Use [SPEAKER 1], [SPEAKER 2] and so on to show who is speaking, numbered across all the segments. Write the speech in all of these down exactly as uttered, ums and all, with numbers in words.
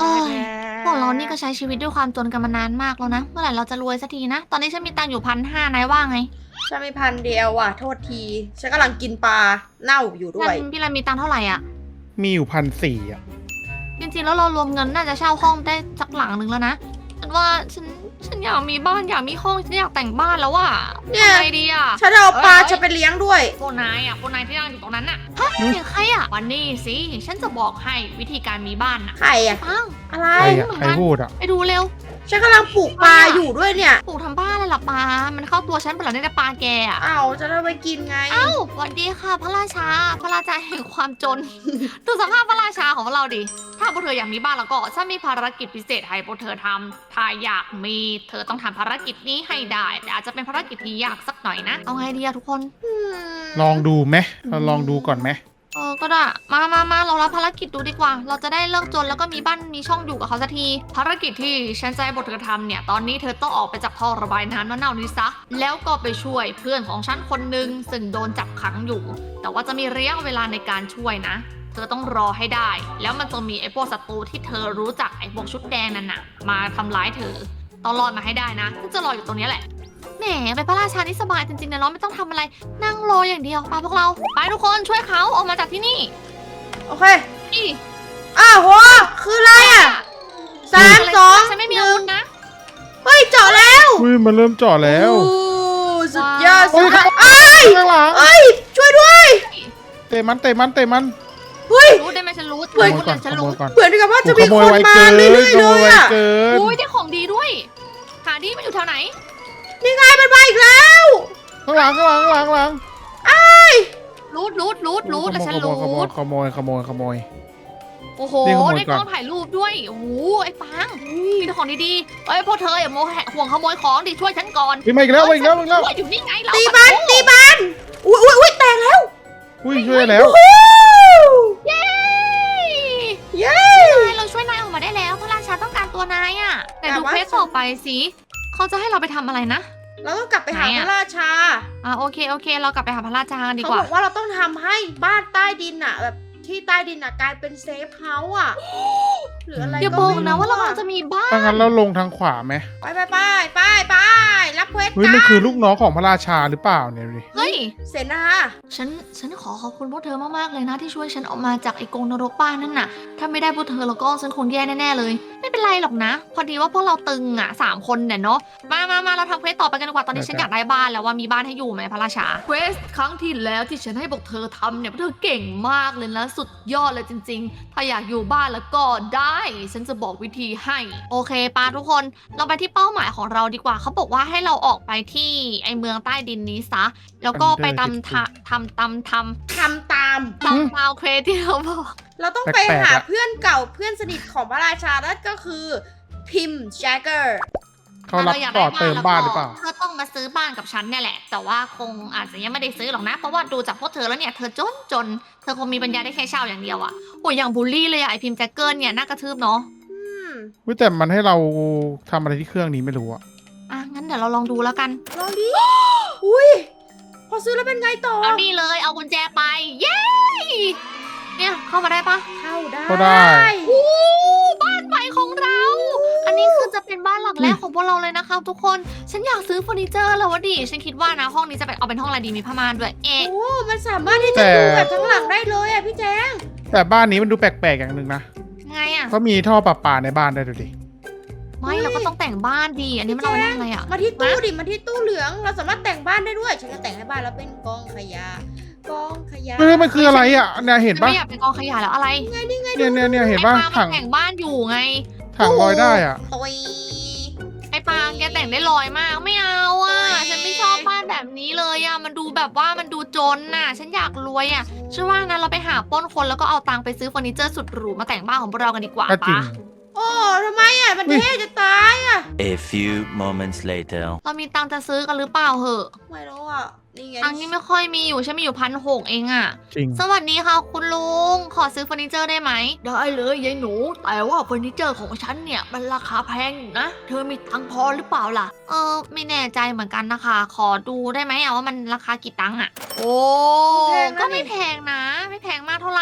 [SPEAKER 1] เอ้ยพวกเรานี่ก็ใช้ชีวิตด้วยความจนกันมานานมากแล้วนะ เมื่อไหร่เราจะรวยสักทีนะ ตอนนี้ฉันมีตังค์อยู่พันห้านายว่าไง
[SPEAKER 2] ฉันมีพันเดียวอ่ะ โทษที ฉันกำลังกินปลาเน่าอยู่ด้วย
[SPEAKER 1] พี่รันมีตังค์เท่าไหร่อ่ะ
[SPEAKER 3] มีอยู่พันสี่อ่ะ
[SPEAKER 1] จริงๆแล้วเรารวมเงินน่าจะเช่าห้องได้สักหลังหนึ่งแล้วนะ ฉันว่าฉันฉันอยากมีบ้านอยากมีห้องฉันอยากแต่งบ้านแล้วว่ะ
[SPEAKER 2] เนี่ย
[SPEAKER 1] ทำไงดีอ่ะ
[SPEAKER 2] ฉันเอาปลา
[SPEAKER 1] เอ้ย
[SPEAKER 2] จะไปเลี้ยงด้วย
[SPEAKER 1] พวกนายอ่ะพวกนายที่นั่งอยู่ตรงนั้นน่ะฮะเสียงใครอ่ะวันนี้สิฉันจะบอกให้วิธีการมีบ้านน่ะ
[SPEAKER 2] ไข่อ่ะ
[SPEAKER 1] ปัง
[SPEAKER 2] อะไร
[SPEAKER 3] ใคร
[SPEAKER 1] เห
[SPEAKER 3] อ่ะ
[SPEAKER 1] มือน
[SPEAKER 3] ใคร
[SPEAKER 1] กัน
[SPEAKER 3] พูดอ่ะ
[SPEAKER 1] ไปดูเร็ว
[SPEAKER 2] ฉันกำลังปลูกปลาอยู่ด้วยเนี่ย
[SPEAKER 1] ปลูกทำบ้านเลยเหรอปลามันเข้าตัวฉันเปล่าเนี่ยแต่ปลาแกอ่ะ
[SPEAKER 2] อ้าวจะได้ไปกินไง
[SPEAKER 1] เอ้าสวัสดีค่ะพระราชา พระราชาแห่งความจน ดูสภาพพระราชาของพวกเราดิ ถ้าพวกเธออยากมีบ้านแล้วก็ฉันมีภารกิจพิเศษให้พวกเธอทำถ้าอยากมีเธอต้องทำภารกิจนี้ให้ได้ แต่อาจจะเป็นภารกิจที่ยากสักหน่อยนะ เอาไงดีอะทุกคน
[SPEAKER 3] ลองดูไหมเราลองดูก่อนไหม
[SPEAKER 1] เออ ก็ได้ มามามาเรารับภารกิจดูดีกว่า เราจะได้เลิกจนแล้วก็มีบ้านมีช่องอยู่กับเขาสักที ภารกิจที่ฉันจะให้บทเธอทำเนี่ย ตอนนี้เธอต้องออกไปจากท่อระบายน้ำเน่าๆนี้ซะ แล้วก็ไปช่วยเพื่อนของฉันคนหนึ่งซึ่งโดนจับขังอยู่ แต่ว่าจะมีระยะเวลาในการช่วยนะ เธอต้องรอให้ได้ แล้วมันจะมีไอ้พวกศัตรูที่เธอรู้จักไอ้พวกชุดแดงนั่นน่ะ มาทำร้ายเธอ ต้องรอดมาให้ได้นะฉันจะรออยู่ตรงนี้แหละ แหมเป็นพระราชานี่สบายจริงๆนะเนาะไม่ต้องทำอะไร นั่งรออย่างเดียวไปพวกเรา ไปทุกคนช่วยเขาออกมาจากที่นี่
[SPEAKER 2] โอเค
[SPEAKER 1] นี่
[SPEAKER 2] อ้าวโห คืออะไรอ่ะ สามสอง
[SPEAKER 1] ฉันไม่มีอาวุธนะ
[SPEAKER 2] เฮ้ยเจาะแล้ว
[SPEAKER 3] อุ้ยมันเริ่มเจาะแล้ว
[SPEAKER 2] โอ้สุดยอด
[SPEAKER 3] โอ้
[SPEAKER 2] สุ
[SPEAKER 3] ย
[SPEAKER 2] ดยอด
[SPEAKER 3] ข้างหลัง
[SPEAKER 2] เอ้ย ช่วยด้วย
[SPEAKER 3] เตะมันเตะมันเตะมัน
[SPEAKER 2] เฮ้ย
[SPEAKER 1] รู้ได้ไหมฉันรู้
[SPEAKER 3] ขโมย
[SPEAKER 1] ค
[SPEAKER 3] ก่อน
[SPEAKER 1] นฉั
[SPEAKER 3] ข
[SPEAKER 1] น
[SPEAKER 3] โม
[SPEAKER 1] รู้
[SPEAKER 3] ยก่อน
[SPEAKER 2] เหมือนกับว่าจะ
[SPEAKER 3] โอ้
[SPEAKER 2] มี
[SPEAKER 3] ขโม
[SPEAKER 2] ค
[SPEAKER 3] ย
[SPEAKER 2] น
[SPEAKER 3] ไว
[SPEAKER 2] มา
[SPEAKER 3] เกิน
[SPEAKER 2] เรื่อยๆ
[SPEAKER 3] ข
[SPEAKER 2] เล
[SPEAKER 3] โมย
[SPEAKER 2] ย
[SPEAKER 3] ไว
[SPEAKER 2] อ่ะ
[SPEAKER 3] เกิน
[SPEAKER 1] อุ้ยได้ของดีด้วยหาดีมันอยู่แถวไหน
[SPEAKER 2] นี่ไงมันมาอีกแล้ว
[SPEAKER 3] ข้างหลังข้างหลังข้างหลังข้างหลัง
[SPEAKER 1] รูดรูดรูดรูดแล้วฉัน
[SPEAKER 3] ขโม
[SPEAKER 1] รู
[SPEAKER 3] ยขโมย
[SPEAKER 1] ด
[SPEAKER 3] ขโมยขโมยขโมย
[SPEAKER 1] โอ้โห
[SPEAKER 3] นี่ขโมย
[SPEAKER 1] ได้
[SPEAKER 3] ก่
[SPEAKER 1] ก
[SPEAKER 3] อน
[SPEAKER 1] ล้องถ่ายรูปด้วยโอ้โหไอ้ปังมีแต่ของดีๆเอ้ยพวกเธออย่าโมแหห่วงขโมยของดิช่วยฉันก่อน
[SPEAKER 3] พี่มาอีกแล้วมาอีกแล้วมาอีกแล้ว
[SPEAKER 1] ช่วยอยู่นี่ไงเรา
[SPEAKER 2] ตีมันตีมันอุ้ยอุ้ยอุ้ยแตกแล้ว
[SPEAKER 3] อุ้ยช่วยแล้ว
[SPEAKER 2] ฮู้
[SPEAKER 1] เย้
[SPEAKER 2] เย้
[SPEAKER 1] นายเราช่วยนายออกมาได้แล้วพระราชาต้องการตัวนายอ่ะแต่ดู
[SPEAKER 2] แต่ว่า
[SPEAKER 1] เควสต่อไปสิเขาจะให้เราไปทำอะไรนะ
[SPEAKER 2] เราต้องกลับไปหา
[SPEAKER 1] ไหน
[SPEAKER 2] พ
[SPEAKER 1] อะ
[SPEAKER 2] ระราชา
[SPEAKER 1] อ่าโอเคโอเค เรากลับไปหาพระราชากันดี
[SPEAKER 2] เขา
[SPEAKER 1] กว่า
[SPEAKER 2] บอกว่าเราต้องทำให้บ้านใต้ดินอะแบบที่ใต้ดินอะกลายเป็นเซฟเฮาส์อะหรืออะไร
[SPEAKER 1] อย่า
[SPEAKER 2] ก็
[SPEAKER 1] บอก
[SPEAKER 2] ไม่
[SPEAKER 1] นะว่าเรา
[SPEAKER 2] อะ
[SPEAKER 1] กำลังจะมีบ้าน
[SPEAKER 3] ถ้างั้นเราลงทางขวาไหม
[SPEAKER 2] ไปไปไปไปไปรับเควส
[SPEAKER 3] เฮ้ยมันคือลูกน้องของพระราชาหรือเปล่าเนี่ยดูดิ
[SPEAKER 1] เฮ้ย
[SPEAKER 2] เสนา
[SPEAKER 1] ฉัน ฉันขอขอบคุณพวกเธอมาก ๆ เลยนะที่ช่วยฉันออกมาจากไอ้กรงนรกบ้านนั่นน่ะ ถ้าไม่ได้พวกเธอแล้วก็ฉันคงแย่แน่ ๆ เลย ไม่เป็นไรหรอกนะ พอดีว่าพวกเราตึงอ่ะสามคนเนี่ยเนาะ มามามาเราทำเควสต่อไปกันดีกว่า ตอนนี้ฉันอยากได้บ้านแล้วว่ามีบ้านให้อยู่ไหมพระราชา เควสครั้งที่แล้วที่ฉันให้พวกเธอทำเนี่ยพวกเธอเก่งมากเลยนะสุดยอดเลยจริง ๆ ถ้าอยากอยู่บ้านแล้วก็ได้ ฉันจะบอกวิธีให้ โอเคปาทุกคน เราไปที่เป้าหมายของเราดีกว่า เขาบอกว่าให้เราออกไปที่ไอเมืองใต้ดินนี้ซะ แล้วก็ไปตำทะทำตำทำ
[SPEAKER 2] ทำตาม
[SPEAKER 1] ตำตาวเควสที่เราบอก
[SPEAKER 2] เราต้องไปหาเพื่อนเก่าเพื่อนสนิทของพระราชานั่นก็คือพิมพ์แจกเกอร์
[SPEAKER 3] เขารับต่อเติมบ้านหรือเปล่า
[SPEAKER 1] เธอต้องมาซื้อบ้านกับฉันเนี่ยแหละ แต่ว่าคงอาจจะยังไม่ได้ซื้อหรอกนะ เพราะว่าดูจากพวกเธอแล้วเนี่ยเธอจนจน เธอคงมีปัญญาได้แค่เช่าอย่างเดียวอะโอ้ยอย่างบูลลี่เลยอะไอพิมพ์แจ็คเกิลเนี่ยน่ากระทืบเนาะ
[SPEAKER 2] อืม
[SPEAKER 3] เฮ้ยแต่มันให้เราทำอะไรที่เครื่องนี้ไม่รู้อะ
[SPEAKER 1] อ่ะงั้นเดี๋ยวเราลองดูแล้วกัน
[SPEAKER 2] ลองดิ อุ้ยพอซื้อแล้วเป็นไงต่อ
[SPEAKER 1] เอานี่เลยเอากุญแจไป เย้ เนี่ยเข้ามาได้ปะ
[SPEAKER 2] เข้าได้
[SPEAKER 3] ก็ได้
[SPEAKER 1] อู้บ้านใหม่ของเรา อันนี้คือจะเป็นบ้านหลังแรกของพวกเราเลยนะคะทุกคน ฉันอยากซื้อเฟอร์นิเจอร์แล้ววะดิ ฉันคิดว่านะห้องนี้จะเป็นเอาเป็นห้องอะไรดีมีผ้าม่านด้วย เอ๊ะ
[SPEAKER 2] โอ้ มันสามารถที่จะดูแบบทั้งหลังได้เลยอ่ะพี่แจง
[SPEAKER 3] แต่บ้านนี้มันดูแปลกๆอย่างหนึ่งนะ
[SPEAKER 1] ไงอะ
[SPEAKER 3] เขามีท่อประปาในบ้านได้วยดูดิ
[SPEAKER 1] ไม่เราก็ต้องแต่งบ้านดี อันนี้มันเอาไว้ทำอะไรอะ
[SPEAKER 2] มาที่ตู้ดิ มาที่ตู้เหลือง เราสามารถแต่งบ้านได้ด้วย ฉันจะแต่งให้บ้านเราเป็นกองขยะ กองขยะ
[SPEAKER 3] เฮ้ยมันคืออะไรอ่ะเนี่ยเห็น
[SPEAKER 1] ฉัน
[SPEAKER 3] ปะ
[SPEAKER 1] ไม่อยากเป็นกองขยะแล้วอะไร
[SPEAKER 2] ไงนี่ไง
[SPEAKER 3] เนี่ยเนี่ยเนี่ยเห็นปะ
[SPEAKER 1] ไอ้ปางมั
[SPEAKER 3] ถัง
[SPEAKER 1] นแต่งบ้านอยู่ไง
[SPEAKER 3] ถังลอยได้อ่ะ
[SPEAKER 2] โอ้ย
[SPEAKER 1] ไอ้ปางแกแต่งได้ลอยมากไม่เอาอ่ะ ฉันไม่ชอบบ้านแบบนี้เลยอ่ะ มันดูแบบว่ามันดูจนน่ะ ฉันอยากรวยอ่ะชื่อว่างั้นเราไปหาปล้นคนแล้วก็เอาตังค์ไปซื้อเฟอร์นิเจอร์สุดหรูมาแต่งบ้านของพวกเรากันดีกว่า
[SPEAKER 3] ก็จริง
[SPEAKER 1] ปะ
[SPEAKER 2] โอ้ทำไมอ่ะ มันเท่จะตายอ่ะ
[SPEAKER 4] A few moments later.
[SPEAKER 1] เรามีตังค์จะซื้อกันหรือเปล่าเหอะ
[SPEAKER 2] ไม่รู้อ่ะ นี่ไง
[SPEAKER 1] ตังค์นี่ไม่ค่อยมีอยู่ฉันมีอยู่พันหกเองอ่ะ
[SPEAKER 3] จริง
[SPEAKER 1] สวัสดีค่ะคุณลุง ขอซื้อเฟอร์นิเจอร์ได้ไหม ได้เลยยายหนู แต่ว่าเฟอร์นิเจอร์ของฉันเนี่ยมันราคาแพงอยู่นะ เธอมีตังค์พอหรือเปล่าล่ะ เออไม่แน่ใจเหมือนกันนะคะ ขอดูได้ไหมอะว่ามันราคากี่ตังค์อะโอ้ก็ไม่แพงนะ ไม่แพงมากเท่าไหร่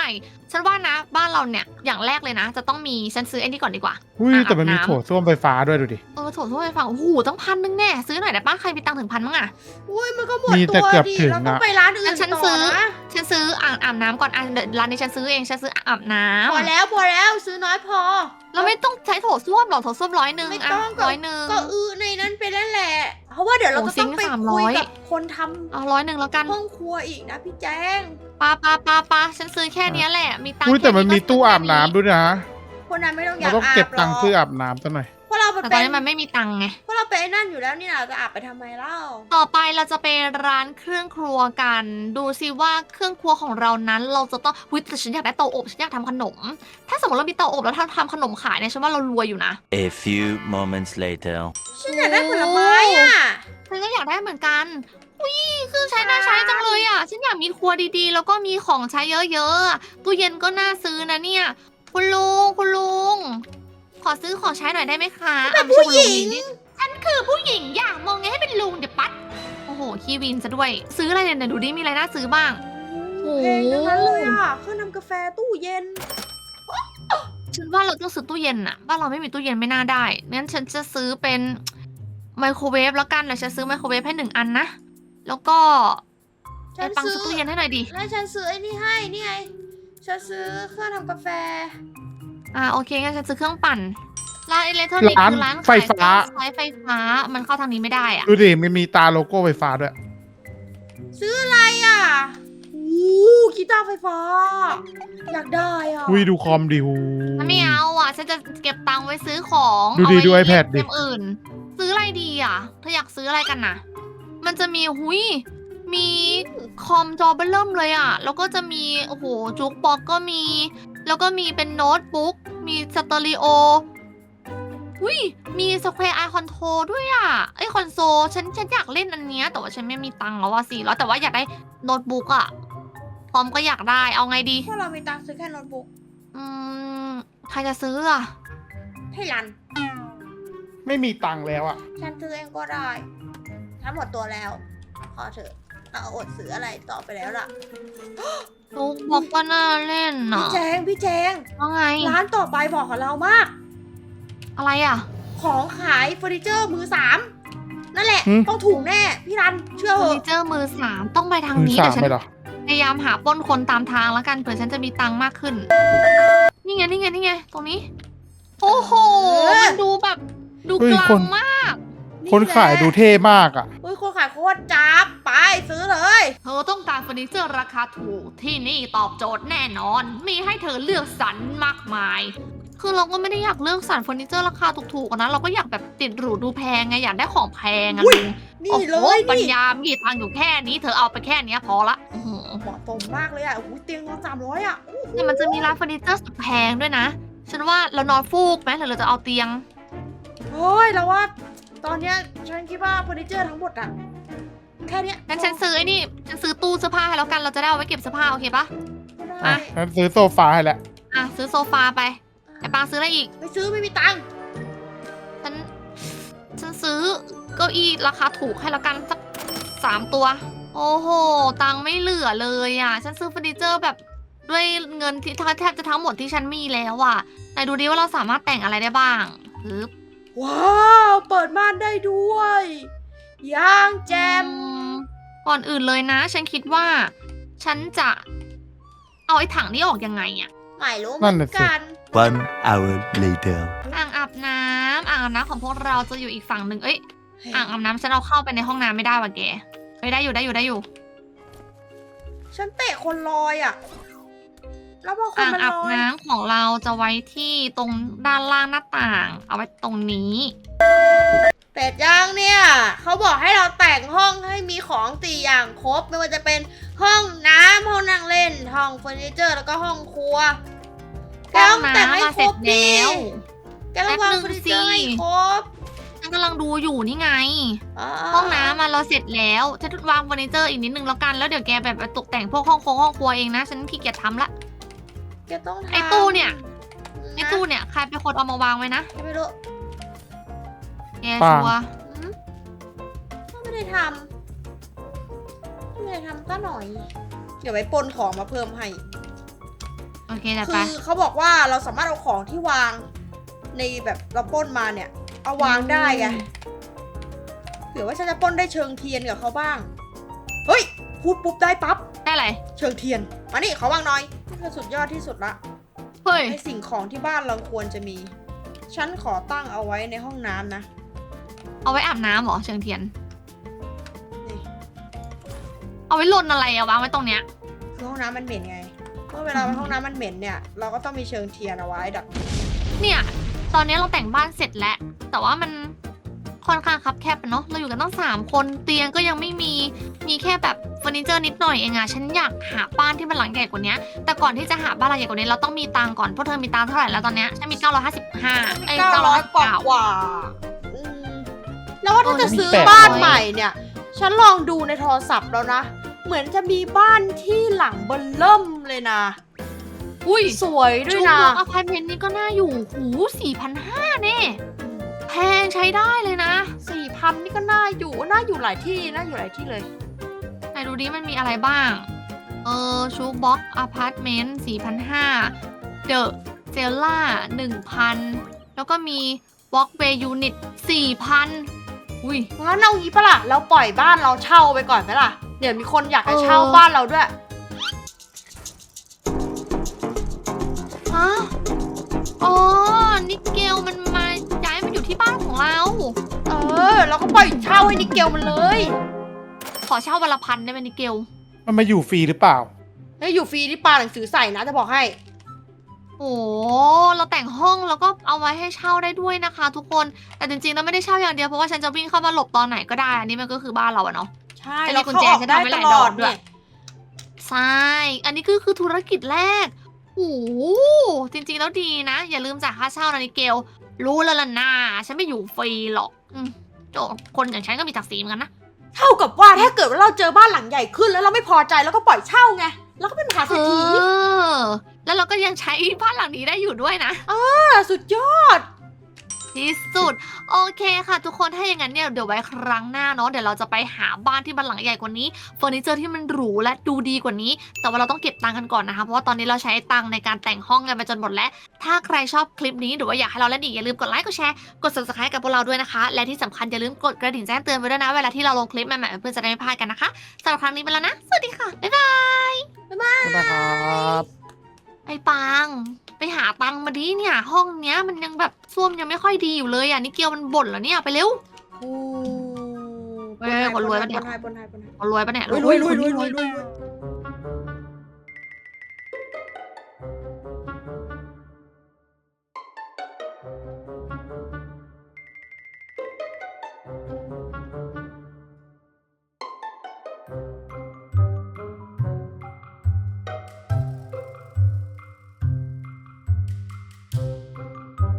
[SPEAKER 1] ฉันว่านะบ้านเราเนี่ยอย่างแรกเลยนะ จะต้องมีฉันซื้อไอ้นี่ก่อนดีกว่า
[SPEAKER 3] อุ้ย
[SPEAKER 1] อ่ะ
[SPEAKER 3] แต่มันมี
[SPEAKER 1] อาบน้ำ
[SPEAKER 3] โถส้วมไฟฟ้าด้วยดูดิ
[SPEAKER 1] เออโถส้วมไฟฟ้าโอ้โหต้องพันนึงแน่ซื้อหน่อยได้ป้าใครมีตังค์ถึงพันมั้งอะ
[SPEAKER 2] อุ้ยมันก็หมด
[SPEAKER 3] มี
[SPEAKER 2] ตั
[SPEAKER 3] แต่
[SPEAKER 2] ว
[SPEAKER 3] เกือบ
[SPEAKER 2] ดิ
[SPEAKER 3] ถึง
[SPEAKER 2] เราต้อง
[SPEAKER 3] อะ
[SPEAKER 2] ไปร้านอื่
[SPEAKER 1] งั้
[SPEAKER 2] น
[SPEAKER 1] นฉัน
[SPEAKER 2] ต่
[SPEAKER 1] ซื้
[SPEAKER 2] อ
[SPEAKER 1] อ
[SPEAKER 2] นะ
[SPEAKER 1] ฉันซื้ออ่างอาบน้ำก่อนอ่ะเดี๋ยวร้านนี้ฉันซื้อเองฉันซื้ออาบน้ำ
[SPEAKER 2] พอแล้วพอแล้วซื้อน้อยพอ
[SPEAKER 1] เราไม่ต้องใช้โถส้วมหรอกโถส้วมร้อยหนึ่ง
[SPEAKER 2] ไม่
[SPEAKER 1] อ่ะ
[SPEAKER 2] ต้องก็
[SPEAKER 1] ร้อยหนึ่ง
[SPEAKER 2] ก็อื้อในนั้นไปแล้วแหละ เพราะว่าเดี๋ยวเรา
[SPEAKER 1] โอ้
[SPEAKER 2] จะต้อง
[SPEAKER 1] ซิงค์
[SPEAKER 2] ไป
[SPEAKER 1] สามร้
[SPEAKER 2] คุ
[SPEAKER 1] อย
[SPEAKER 2] ยกับคนท
[SPEAKER 1] เอาร้อยหนึ่งแล้วกัน
[SPEAKER 2] ำห้องครัวอีกนะพี่แจ้ง
[SPEAKER 1] ปาปาปาปาฉันซื้อแค่เนี้ยแหละมีตังค์
[SPEAKER 3] อุ้ยแต่มันมี
[SPEAKER 1] ค่
[SPEAKER 3] ตู้
[SPEAKER 1] ก็
[SPEAKER 3] อาบ
[SPEAKER 1] ซื้
[SPEAKER 3] น้ำด้วยนะ
[SPEAKER 2] คนนั้นไม่ต้องอ
[SPEAKER 3] เรา
[SPEAKER 2] ยาก
[SPEAKER 3] ต้อง
[SPEAKER 2] อาบ
[SPEAKER 3] เก็บตังค์
[SPEAKER 2] หร
[SPEAKER 3] ซื้ออาบน้ำซะหน่อย
[SPEAKER 2] เพราะเราไป
[SPEAKER 1] แต่ต
[SPEAKER 2] เป็
[SPEAKER 1] อน
[SPEAKER 2] น
[SPEAKER 1] นี้มันไม่มีตังค์ไง
[SPEAKER 2] เพราะเราไปนไอ้นั่นอยู่แล้วนี่นะเราจะอาบไปทำไมเล่า
[SPEAKER 1] ต่อไปเราจะไปร้านเครื่องครัวกัน ดูซิว่าเครื่องครัวของเรานั้นเราจะต้องวิแต่ฉันอยากได้เตาอบฉันอยากทำขนม ถ้าสมมติเรามีเตาอบแล้วทำทำขนมขายเนี่ยฉันว่าเรารวยอยู่นะ
[SPEAKER 4] A few moments later.
[SPEAKER 2] ฉันอยากได้ผลไม้อ่ะ
[SPEAKER 1] ฉันก็อยากได้เหมือนกันอุ้ยเครื่องใช้น่าใช้จังเลยอ่ะ ฉันอยากมีครัวดีๆ แล้วก็มีของใช้เยอะๆอะตู้เย็นก็น่าซื้อนะเนี่ย คุณลุงคุณลุง ขอซื้อของใช้หน่อยได้ไหมคะอ่ะไม่ใช่คุณลุนี่ฉันคือผู้หญิงอยากมองไงให้เป็นลุงเดี๋ยวปัด โอ้โหคีวินซะด้วย ซื้ออะไรเนี่ยไหนดูดิมีอะไรน่าซื้อบ้าง โอ้โห
[SPEAKER 2] แพงทั้งนั้นเลยอ่ะเครื่องทำกาแฟตู้เย็น
[SPEAKER 1] ฉันว่าเราต้องซื้อตู้เย็นอะบ้านเราไม่มีตู้เย็นไม่น่าได้งั้นฉันจะซื้อเป็นไมโครเวฟแล้วกันเดี๋ยวฉันซื้อไมโครเวฟให้หนึ่งอันนะ แล้วก็
[SPEAKER 2] ฉั
[SPEAKER 1] ไอ้
[SPEAKER 2] น
[SPEAKER 1] ปัง
[SPEAKER 2] ซื้อ
[SPEAKER 1] ซื้อตู้เย็นให้หน่อยดิ
[SPEAKER 2] แล้วฉันซื้อไอ้นี่ให้นี่ไง ฉันซื้อเครื่องทำกาแฟ
[SPEAKER 1] อ่าโอเคงั้นฉันซื้อเครื่องปั่น ร้านอิเล็กทรอนิกส์
[SPEAKER 3] ร้าน
[SPEAKER 1] คือร้าน
[SPEAKER 3] ไฟ
[SPEAKER 1] ขาย
[SPEAKER 3] ฟ้า
[SPEAKER 1] เครื่องใช้ไฟฟ้า มันเข้าทางนี้ไม่ได้อะ
[SPEAKER 3] ดูดิมันมีตาโลโก้ไฟฟ้าด้วย
[SPEAKER 2] ซื้ออะไรอ่ะโอ้กีตาร์ไฟฟ้า อยากได้อ่ะ
[SPEAKER 3] อุ้ยดูคอมดิหู
[SPEAKER 1] ฉันไม่เอาอ่ะ ฉันจะเก็บตังค์ไว้ซื้อของ
[SPEAKER 3] ดูดิ
[SPEAKER 1] เอาไว้
[SPEAKER 3] ดู iPad ดิ
[SPEAKER 1] เล่นเกมอื่น ซื้ออะไรดีอ่ะเธออยากซื้ออะไรกันน่ะ มันจะมีหุยมีคอมจอเบลเริ่มเลยอ่ะ แล้วก็จะมีโอ้โหจุกบ็อกก็มี แล้วก็มีเป็นโน้ตบุ๊ก มีสเตอริโออุ้ยมีสแควร์ไอคอนโทรด้วยอ่ะไอคอนโซลฉันฉันอยากเล่นอันเนี้ยแต่ว่าฉันไม่มีตังค์แล้วว่าสี่ร้อยแต่ว่าอยากได้โน้ตบุ๊กอ่ะพร้อมก็อยากได้เอาไงดี
[SPEAKER 2] พวกเรามีตังค์ซื้อแค่โน้ตบุ๊ก
[SPEAKER 1] อืมใครจะซื้ออ่ะ
[SPEAKER 2] ให้รัน
[SPEAKER 3] ไม่มีตังค์แล้วอ่ะ
[SPEAKER 2] ฉันซื้อเองก็ได้ฉันหมดตัวแล้ว พอเถอะเราอดซื้ออะไรต่อไปแล้วล่ะ
[SPEAKER 1] ลูกบอกว่าน่าเล่น
[SPEAKER 2] พี่
[SPEAKER 1] น่ะ
[SPEAKER 2] แจง พี่แจง
[SPEAKER 1] ว่าไง
[SPEAKER 2] ร้านต่อไปบอกกับเรามาก
[SPEAKER 1] อะไรอ่ะ
[SPEAKER 2] ของขายเฟอร์นิเจอร์มือสาม นั่นแหละ
[SPEAKER 3] หืม
[SPEAKER 2] ต้องถูกแน่ พี่รัน เชื่อ
[SPEAKER 1] เฟ
[SPEAKER 2] เห
[SPEAKER 1] อร์นิ
[SPEAKER 2] อะ
[SPEAKER 1] เจอร์มือสามต้องไปทาง
[SPEAKER 3] มือ
[SPEAKER 1] นี้
[SPEAKER 3] สา
[SPEAKER 1] เดี๋ยวฉัน
[SPEAKER 3] มไปเหรอ
[SPEAKER 1] พยายามหาปล้นคนตามทางแล้วกันเผื่อฉันจะมีตังค์มากขึ้น นี่ไงนี่ไงนี่ไงตรงนี้ โอ้โห มันดูแบบดู
[SPEAKER 3] เฮ้ย
[SPEAKER 1] กลา
[SPEAKER 3] ค
[SPEAKER 1] ง
[SPEAKER 3] น
[SPEAKER 1] มาก
[SPEAKER 3] คนขายดูเท่มากอ่ะ
[SPEAKER 2] อุ้ยคนขายโคตรจับ ไปซื้อเลย
[SPEAKER 1] เธอต้องการเฟอร์นิเจอร์ราคาถูกที่นี่ตอบโจทย์แน่นอน มีให้เธอเลือกสรรมากมาย คือเราก็ไม่ได้อยากเลือกสรรเฟอร์นิเจอร์ราคาถูกๆอะนะ เราก็อยากแบบติดหรูดูแพงไง อยากได้ของแพงอะ
[SPEAKER 2] อุ๊ย
[SPEAKER 1] ลุง
[SPEAKER 2] นี่
[SPEAKER 1] โอ้
[SPEAKER 2] เล
[SPEAKER 1] โห
[SPEAKER 2] ย
[SPEAKER 1] ปัญ
[SPEAKER 2] นี่
[SPEAKER 1] ญามีทางอยู่แค่นี้ เธอเอาไปแค่เนี้ยพอละอื้อหือ
[SPEAKER 2] เหมาะสมมากเลยอ่ะโอ้โหเตียงนอนสามร้อยอ่ะ
[SPEAKER 1] เนี่ยมันจะมีร้านเฟอร์นิเจอร์สุดแพงด้วยนะ ฉันว่าเรานอนฟูกไหมหรือเราจะเอาเตียง
[SPEAKER 2] เฮ้ยแล้วว่า ตอนเนี้ยฉันคิดว่าเฟอร์นิเจอร์ทั้งหมดอ่ะ แค่เนี้ย
[SPEAKER 1] งั้นฉันซื้อไอ้นี่ ฉันซื้อตู้เสื้อผ้าให้แล้วกัน เราจะได้เอาไว้เก็บเสื้อผ้าโอเคปะ
[SPEAKER 2] ก็ได้
[SPEAKER 1] อ่ะ
[SPEAKER 3] ฉันซื้อโซฟาให้แล้ว
[SPEAKER 1] อ่ะซื้อโซฟาไปไอ้ปางซื้ออะไรอีก
[SPEAKER 2] ไม่ซื้อไม่มีตังค์
[SPEAKER 1] ฉัน ฉันซื้อเก้าอี้ราคาถูกให้แล้วกันสักสามตัว โอ้โห ตังค์ไม่เหลือเลยอ่ะ ฉันซื้อเฟอร์นิเจอร์แบบด้วยเงินที่แทบจะทั้งหมดที่ฉันมีแล้วอ่ะไหนดูดิว่าเราสามารถแต่งอะไรได้บ้างปึ๊บ
[SPEAKER 2] ว้าว เปิดม่านได้ด้วยย่างแจม
[SPEAKER 1] อืมก่อนอื่นเลยนะ ฉันคิดว่า ฉันจะเอาไอ้ถังนี้ออกยังไงอ่ะ
[SPEAKER 2] ไม่รู้เห
[SPEAKER 3] นั่
[SPEAKER 2] มือน น
[SPEAKER 3] น่ะสิ
[SPEAKER 2] กัน
[SPEAKER 4] One hour later.
[SPEAKER 1] อ่างอาบน้ำอ่างอาบน้ำของพวกเราจะอยู่อีกฝั่งหนึ่งเอ้ย อ่างอาบน้ำฉันเอาเข้าไปในห้องน้ำไม่ได้ว่ะแกไม่ได้อยู่ได้อยู่ได้อยู่
[SPEAKER 2] ฉันเตะคนลอยอ่ะ แล้วพอคน
[SPEAKER 1] อ่าง
[SPEAKER 2] มัน
[SPEAKER 1] อาบ
[SPEAKER 2] ลอย
[SPEAKER 1] น้ำของเราจะไว้ที่ตรงด้านล่างหน้าต่าง เอาไว้ตรงนี้
[SPEAKER 2] แต่จ้างเนี่ย เขาบอกให้เราแต่งห้องให้มีของสี่อย่างครบ ไม่ว่าจะเป็นห้องน้ำห้องนั่งเล่น ห้องเฟอร์นิเจอร์แล้วก็ห้องครัวแก
[SPEAKER 1] ห้อ
[SPEAKER 2] ต้อง งแต่ง
[SPEAKER 1] น้ำ
[SPEAKER 2] ให้
[SPEAKER 1] มา
[SPEAKER 2] ค
[SPEAKER 1] เส
[SPEAKER 2] ร
[SPEAKER 1] ร็จ
[SPEAKER 2] บดิ
[SPEAKER 1] แล้ว
[SPEAKER 2] แกต้องวาง
[SPEAKER 1] แป๊บนึง
[SPEAKER 2] เฟอร์นิเจอร์ให้
[SPEAKER 1] สิ
[SPEAKER 2] ครบ
[SPEAKER 1] ฉันกำลังดูอยู่นี่ไง
[SPEAKER 2] า
[SPEAKER 1] ห้องน้ำมาเราเสร็จแล้วฉันวางเฟอร์นิเจอร์อีกนิดนึงแล้วกันแล้วเดี๋ยวแกแบบไปตกแต่งพวกห้องโคงห้องครัวเองนะฉันขี้เกียจทำละ
[SPEAKER 2] แกต้องทำ
[SPEAKER 1] ไอ้ตู้เนี่ย ไอ้
[SPEAKER 2] นะ
[SPEAKER 1] ตู้เนี่ยใครเป็นคนเอามาวางไว้นะ
[SPEAKER 2] แกไม่รู้
[SPEAKER 1] แกชัวร์
[SPEAKER 2] หืมก็ไม่ได้ทำไม่ได้ทำก็หน่อย เดี๋ยวไปปนของมาเพิ่มให้
[SPEAKER 1] โอเคจัดไป
[SPEAKER 2] คือเขาบอกว่าเราสามารถเอาของที่วางในแบบเราปล้นมาเนี่ย เอาวางได้ไงเผื่อว่าฉันจะปล้นได้เชิงเทียนกับเขาบ้าง เฮ้ย พูดปุ๊บได้ปั๊บ
[SPEAKER 1] ได้อะไร
[SPEAKER 2] เชิงเทียน มานี่ขอวางหน่อยนี่คือสุดยอดที่สุดละ
[SPEAKER 1] เฮ้ย
[SPEAKER 2] ในสิ่งของที่บ้านเราควรจะมี ฉันขอตั้งเอาไว้ในห้องน้ำนะ
[SPEAKER 1] เอาไว้อาบน้ำเหรอเชิงเทียน
[SPEAKER 2] นี่
[SPEAKER 1] เอาไว้ลนอะไรอะวางไว้ตรงเนี้ย
[SPEAKER 2] คือห้องน้ำมันเหม็นไง เมื่อเวลาไปห้องน้ำมันเหม็นเนี่ย เราก็ต้องมีเชิงเทียนเอาไว้ดับ
[SPEAKER 1] เนี่ย ตอนนี้เราแต่งบ้านเสร็จแล้ว แต่ว่ามันค่อนข้างคับแคบอะเนาะ เราอยู่กันตั้งสามคน เตียงก็ยังไม่มี มีแค่แบบเฟอร์นิเจอร์นิดหน่อยเองอะฉันอยากหาบ้านที่มันหลังใหญ่กว่านี้ แต่ก่อนที่จะหาบ้านหลังใหญ่กว่านี้เราต้องมีตังค์ก่อน พวกเธอมีตังค์เท่าไหร่แล้วตอนเนี้ยฉันมีเก้าร้อยห้าสิบห้าไอ้
[SPEAKER 2] เก้า
[SPEAKER 1] เก้าร้
[SPEAKER 2] ร้
[SPEAKER 1] อ
[SPEAKER 2] อย ย
[SPEAKER 1] ก
[SPEAKER 2] ก
[SPEAKER 1] ว่า
[SPEAKER 2] ว่ากว่าอืมแล้วว่าถ้าจะซื้อ
[SPEAKER 3] แปดร้อย
[SPEAKER 2] บ้านใหม่เนี่ย ฉันลองดูในโทรศัพท์แล้วนะ เหมือนจะมีบ้านที่หลังเบนเริ่มเลยนะ
[SPEAKER 1] อุ้ย
[SPEAKER 2] สวยด้วยนะ
[SPEAKER 1] ชูบอกอพาร์ตเมนต์นี้ก็น่าอยู่หูสี่พันห้าเน่แพงใช้ได้เลยนะ
[SPEAKER 2] สี่พันนี่ก็น่าอยู่ น่าอยู่หลายที่ น่าอยู่หลายที่เลย
[SPEAKER 1] ไหนดูดิมันมีอะไรบ้าง เออชูบ็อกอพาร์ตเมนต์สี่พันห้าเดอะเจลล่าหนึ่งพันแล้วก็มีวอล์กเวย์ยูนิตสี่พันอุ้ย
[SPEAKER 2] งั้นเอางี้ปะล่ะ เราปล่อยบ้านเราเช่าไปก่อนไหมล่ะ เดี๋ยวมีคนอยากจะเช่า
[SPEAKER 1] เออ
[SPEAKER 2] บ้านเราด้วย
[SPEAKER 1] ฮะอ๋อนิเกลมันมาย้ายมาอยู่ที่บ้านของเรา
[SPEAKER 2] เออ เราก็ปล่อยเช่าให้นิเกลมันเลย
[SPEAKER 1] ขอเช่าวันละพันได้ไหมนิเกล
[SPEAKER 3] มันมาอยู่ฟรีหรือเปล่า
[SPEAKER 2] เฮ้ยอยู่ฟรีที่ปาหนังสือใส่นะจะบอกให้
[SPEAKER 1] โอ้เราแต่งห้องแล้วก็เอาไว้ให้เช่าได้ด้วยนะคะ ทุกคน แต่จริงๆแล้วไม่ได้เช่าอย่างเดียวเพราะว่าฉันจะวิ่งเข้ามาหลบตอนไหนก็ได้ อันนี้มันก็คือบ้านเราอะเนาะ
[SPEAKER 2] ใช่
[SPEAKER 1] จะมี
[SPEAKER 2] เรา
[SPEAKER 1] กุญ
[SPEAKER 2] เข้า
[SPEAKER 1] แจ
[SPEAKER 2] ออก
[SPEAKER 1] จะ
[SPEAKER 2] ได้
[SPEAKER 1] ทำไว้ห
[SPEAKER 2] ต
[SPEAKER 1] ลาย
[SPEAKER 2] ล
[SPEAKER 1] ด
[SPEAKER 2] อ
[SPEAKER 1] อ
[SPEAKER 2] ด
[SPEAKER 1] กด้
[SPEAKER 2] ด้
[SPEAKER 1] ว
[SPEAKER 2] วย ย
[SPEAKER 1] ใช่ อันนี้คือคือธุรกิจแรกโอ้โหจริงๆแล้วดีนะ อย่าลืมจ่ายค่าเช่านะนิเกล รู้แล้วล่ะนะฉันไม่อยู่ฟรีหรอกอืมโจคนอย่างฉันก็มีศักดิ์ศรีเหมือนกันนะ
[SPEAKER 2] เท่ากับว่าถ้าเกิดว่าเราเจอบ้านหลังใหญ่ขึ้นแล้วเราไม่พอใจแล้วก็ปล่อยเช่าไง แล้วก็เป็นมหาเศรษฐี
[SPEAKER 1] เออ แล้วเราก็ยังใช้บ้านหลังนี้ได้อยู่ด้วยนะ
[SPEAKER 2] อ่าสุดยอด
[SPEAKER 1] ที่สุด โอเคค่ะ ทุกคนถ้าอย่างนั้นเนี่ยเดี๋ยวไว้ครั้งหน้าเนาะเดี๋ยวเราจะไปหาบ้านที่มันหลังใหญ่กว่านี้เฟอร์นิเจอร์ที่มันหรูและดูดีกว่านี้ แต่ว่าเราต้องเก็บตังค์กันก่อนนะคะเพราะว่าตอนนี้เราใช้ตังค์ในการแต่งห้องกันไปจนหมดแล้ว ถ้าใครชอบคลิปนี้หรือว่าอยากให้เราเล่นอีกอย่าลืมกดไลค์กดแชร์กด subscribe กับพวกเราด้วยนะคะ และที่สำคัญอย่าลืมกดกระดิ่งแจ้งเตือนไว้ด้วยนะเวลาที่เราลงคลิปใหม่ๆเพื่อนจะได้ไม่พลาดกันนะคะสำหรับครั้งนี้ไปแล้วนะสวัสดีค่ะบ๊ายบาย
[SPEAKER 3] นะครับ
[SPEAKER 1] ไอ้ปังไปหาตังค์มาดิเนี่ยห้องเนี้ยมันยังแบบส้วมยังไม่ค่อยดีอยู่เลยอ่ะนี่เกียวมันบ่นแล้วเนี่ยไปเร็ว
[SPEAKER 2] โอ้
[SPEAKER 1] เอ้ยคนรวยปะเนี่ย
[SPEAKER 2] ปนให้ปนให้ปนให้
[SPEAKER 1] เอารวยปะเนี่ย
[SPEAKER 2] รวยรวยรวยรวยรวยรวย